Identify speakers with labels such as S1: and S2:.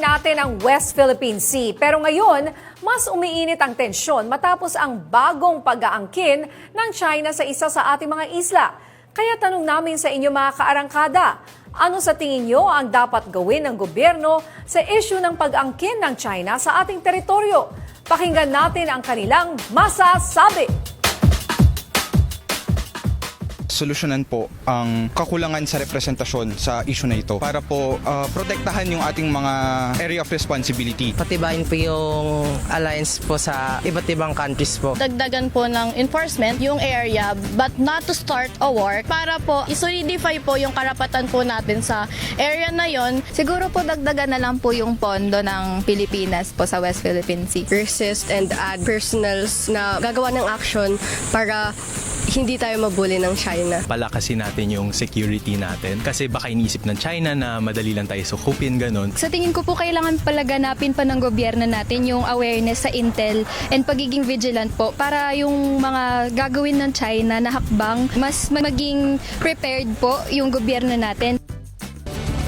S1: natin ang West Philippine Sea. Pero ngayon, mas umiinit ang tensyon matapos ang bagong pag-aangkin ng China sa isa sa ating mga isla. Kaya tanong namin sa inyo mga kaarangkada, ano sa tingin nyo ang dapat gawin ng gobyerno sa issue ng pag-angkin ng China sa ating teritoryo? Pakinggan natin ang kanilang masasabi.
S2: Solusyonan po ang kakulangan sa representasyon sa issue na ito para po protektahan yung ating mga area of responsibility.
S3: Patibayin po yung alliance po sa iba't ibang countries po.
S4: Dagdagan po ng enforcement yung area but not to start a war para po isolidify po yung karapatan po natin sa area na yon.
S5: Siguro po dagdagan na lang po yung pondo ng Pilipinas po sa West Philippine Sea.
S6: Resist and add personals na gagawa ng action para hindi tayo mabuli ng China.
S7: Palakasin natin yung security natin kasi baka inisip ng China na madali lang tayo sukupin, ganun.
S8: Sa tingin ko po kailangan palaganapin pa ng gobyerno natin yung awareness sa intel and pagiging vigilant po para yung mga gagawin ng China na hakbang mas maging prepared po yung gobyerno natin.